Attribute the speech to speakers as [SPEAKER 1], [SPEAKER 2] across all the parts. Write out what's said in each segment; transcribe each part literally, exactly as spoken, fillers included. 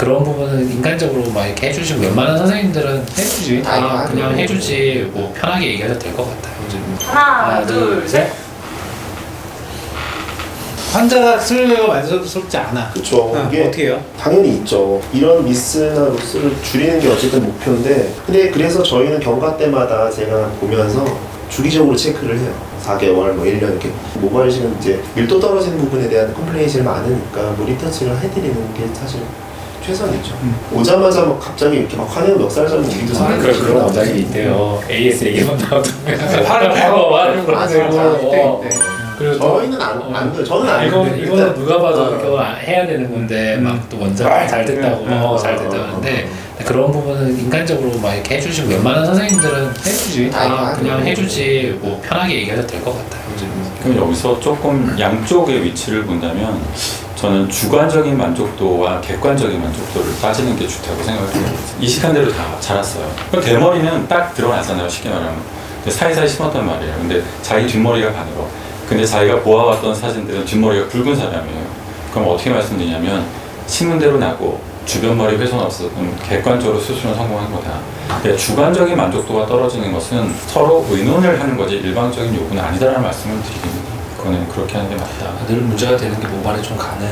[SPEAKER 1] 그런 부분은 인간적으로 막 이렇게 해주시고 웬만한 선생님들은 해주지. 다
[SPEAKER 2] 아,
[SPEAKER 1] 그냥
[SPEAKER 2] 그래요?
[SPEAKER 1] 해주지. 뭐 편하게 얘기해도 될 것 같아요. 좀.
[SPEAKER 3] 하나,
[SPEAKER 1] 하나,
[SPEAKER 3] 둘,
[SPEAKER 1] 둘,
[SPEAKER 3] 셋.
[SPEAKER 4] 환자가 수술료가 만족스럽지 않아.
[SPEAKER 2] 그쵸.
[SPEAKER 4] 어,
[SPEAKER 2] 이게
[SPEAKER 4] 어떻게 해요?
[SPEAKER 2] 당연히 있죠. 이런 미스나 로스를 줄이는 게 어쨌든 목표인데, 근데 그래서 저희는 경과 때마다 제가 보면서 주기적으로 체크를 해요. 사 개월, 뭐 일 년 이렇게. 모발이식은 이제 밀도 떨어지는 부분에 대한 컴플레인이 제일 많으니까 뭐 리터치를 해드리는 게 사실 최선이죠.
[SPEAKER 4] 음.
[SPEAKER 2] 오자마자 막 갑자기 이렇게 막 화내는 멱살잡는 우리도
[SPEAKER 1] 아,
[SPEAKER 2] 사는
[SPEAKER 1] 그런 그런 원장님이 있대요. 에이에스 얘기만 나오면
[SPEAKER 4] 화를
[SPEAKER 1] 어, 화를
[SPEAKER 2] 아,
[SPEAKER 1] 그러고.
[SPEAKER 2] 진짜.
[SPEAKER 1] 어.
[SPEAKER 4] 네, 네.
[SPEAKER 1] 그래서
[SPEAKER 2] 저희는 안,
[SPEAKER 1] 어.
[SPEAKER 2] 안 그래요. 저는 안
[SPEAKER 1] 이거
[SPEAKER 2] 그래요.
[SPEAKER 1] 이거는 누가 봐도
[SPEAKER 2] 어.
[SPEAKER 1] 이거 해야 되는 건데
[SPEAKER 4] 음.
[SPEAKER 1] 막 또 원장 잘 됐다고
[SPEAKER 4] 음.
[SPEAKER 1] 어, 잘 됐다고 하는데 그런 부분은 인간적으로 막 이렇게 해주시고 웬만한 선생님들은 해주지. 다
[SPEAKER 2] 아,
[SPEAKER 1] 그냥
[SPEAKER 2] 그래요?
[SPEAKER 1] 해주지. 뭐 편하게 얘기해도 될 것 같아요.
[SPEAKER 5] 그럼 여기서 조금 양쪽의 위치를 본다면 저는 주관적인 만족도와 객관적인 만족도를 따지는 게 좋다고 생각을 해요. 이식한 대로 다 자랐어요. 그럼 대머리는 딱 드러나잖아요, 쉽게 말하면. 근데 사이사이 심었단 말이에요. 근데 자기 뒷머리가 가늘어. 근데 자기가 보아왔던 사진들은 뒷머리가 굵은 사람이에요. 그럼 어떻게 말씀드리냐면 심은 대로 나고 주변 머리 훼손 없어. 그럼 객관적으로 수술은 성공한 거다. 근데 주관적인 만족도가 떨어지는 것은 서로 의논을 하는 거지 일방적인 요구는 아니다라는 말씀을 드립니다. 그거는 그렇게 하는 게 맞다.
[SPEAKER 1] 늘 문제가 되는 게 모발이 좀 가는.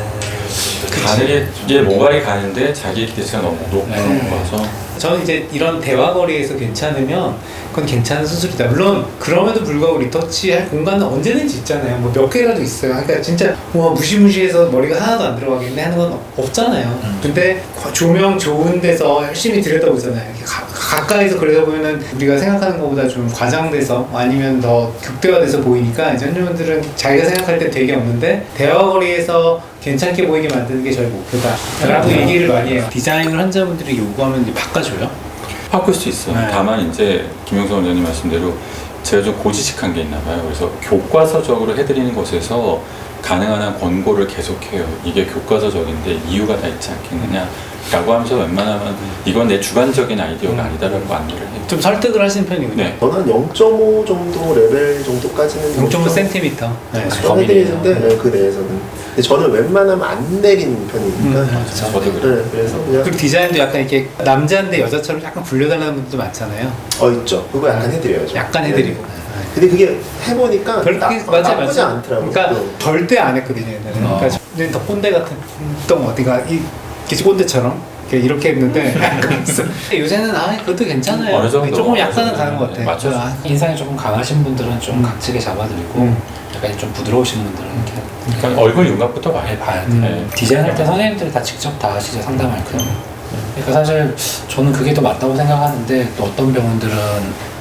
[SPEAKER 5] 가늘게 이제 모발이 가는데 자기 기대치가 너무 높은
[SPEAKER 1] 네.
[SPEAKER 5] 거라서
[SPEAKER 4] 저는 이제 이런 대화거리에서 괜찮으면 그건 괜찮은 수술이다. 물론 그럼에도 불구하고 리터치할 공간은 언제든지 있잖아요. 뭐 몇 개라도 있어요. 그러니까 진짜 뭐 무시무시해서 머리가 하나도 안 들어가겠네 하는 건 없잖아요.
[SPEAKER 1] 음.
[SPEAKER 4] 근데 조명 좋은 데서 열심히 들여다보잖아요. 이렇게 가, 가까이서 그려다보면은 우리가 생각하는 것보다 좀 과장돼서 아니면 더 극대화돼서 보이니까 이제 환자분들은 자기가 생각할 때 되게 없는데 대화거리에서 괜찮게 보이게 만드는 게 저희 목표다 라고 얘기를 많이 해요. 디자인을 환자분들이 요구하면 이제 바꿔줘요?
[SPEAKER 5] 바꿀 수 있어요.
[SPEAKER 4] 네.
[SPEAKER 5] 다만 이제 김영선 원장님 말씀대로 제가 좀 고지식한 게 있나 봐요. 그래서 교과서적으로 해드리는 것에서 가능한 한 권고를 계속해요. 이게 교과서적인데 이유가 다 있지 않겠느냐 라고 하면서 웬만하면 이건 내 주관적인 아이디어가 아니다라고 안내를 해요.
[SPEAKER 4] 좀 설득을 하시는 편이군요.
[SPEAKER 5] 네.
[SPEAKER 2] 저는 한 영 점 오 정도 레벨 정도까지는
[SPEAKER 4] 영 점 오 센티미터. 네.
[SPEAKER 2] 해드리는데 네, 그 내에서는. 근데 저는 웬만하면 안 내리는 편이니까.
[SPEAKER 4] 음,
[SPEAKER 5] 저도 그래요.
[SPEAKER 2] 네, 그래서 그냥
[SPEAKER 4] 그리고 디자인도 약간 이렇게 남자인데 여자처럼 약간 불려달라는 분들도 많잖아요.
[SPEAKER 2] 어 있죠. 그거 약간 해드려야죠.
[SPEAKER 4] 약간
[SPEAKER 2] 네.
[SPEAKER 4] 해드리고.
[SPEAKER 2] 근데 그게 해보니까
[SPEAKER 4] 별로
[SPEAKER 2] 나,
[SPEAKER 4] 크게 맞아
[SPEAKER 2] 나쁘지
[SPEAKER 4] 맞아.
[SPEAKER 2] 않더라고요.
[SPEAKER 4] 그러니까
[SPEAKER 2] 또.
[SPEAKER 4] 절대 안 했거든요 옛날에.
[SPEAKER 1] 어.
[SPEAKER 4] 그러니까 저는 더 꼰대 같은 똥 어디가 이 기지꼰대처럼 이렇게 이렇게 했는데 그래서 요새는 아 그것도 괜찮아요.
[SPEAKER 5] 어느 정도,
[SPEAKER 4] 조금
[SPEAKER 5] 어느
[SPEAKER 4] 약간은
[SPEAKER 5] 정도.
[SPEAKER 4] 가는 것 같아.
[SPEAKER 5] 맞죠.
[SPEAKER 4] 아,
[SPEAKER 1] 인상이 조금 강하신 분들은 좀
[SPEAKER 4] 음.
[SPEAKER 1] 각지게 잡아드리고
[SPEAKER 4] 음.
[SPEAKER 1] 약간 좀 부드러우신 분들은 이렇게
[SPEAKER 5] 그러니까 얼굴 윤곽부터
[SPEAKER 1] 많이
[SPEAKER 5] 봐요.
[SPEAKER 1] 봐야 돼.
[SPEAKER 4] 음.
[SPEAKER 5] 네.
[SPEAKER 1] 디자인할 때 선생님들이 다 직접 다 하시죠, 상담할 때. 그러니까 사실 저는 그게 더 맞다고 생각하는데 또 어떤 병원들은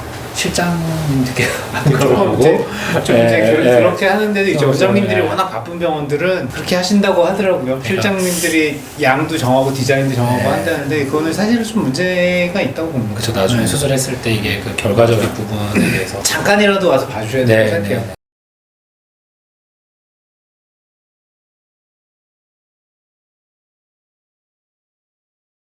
[SPEAKER 1] 실장님들께 하는 걸
[SPEAKER 4] 조금
[SPEAKER 1] 보고
[SPEAKER 4] 이제 좀
[SPEAKER 1] 예,
[SPEAKER 4] 이제 그-
[SPEAKER 1] 예.
[SPEAKER 4] 그렇게 하는데도 이제
[SPEAKER 1] 어,
[SPEAKER 4] 원장님들이
[SPEAKER 1] 예.
[SPEAKER 4] 워낙 바쁜 병원들은 그렇게 하신다고 하더라고요. 실장님들이 양도 정하고 디자인도 정하고
[SPEAKER 1] 예.
[SPEAKER 4] 한다는데 그거는 사실은 좀 문제가 있다고 봅니다.
[SPEAKER 1] 그쵸, 나중에
[SPEAKER 4] 네.
[SPEAKER 1] 수술했을 때 이게 그 결과적인 부분에 대해서
[SPEAKER 4] 잠깐이라도 와서 봐주셔야
[SPEAKER 1] 네,
[SPEAKER 4] 된다고 생각해요.
[SPEAKER 1] 네.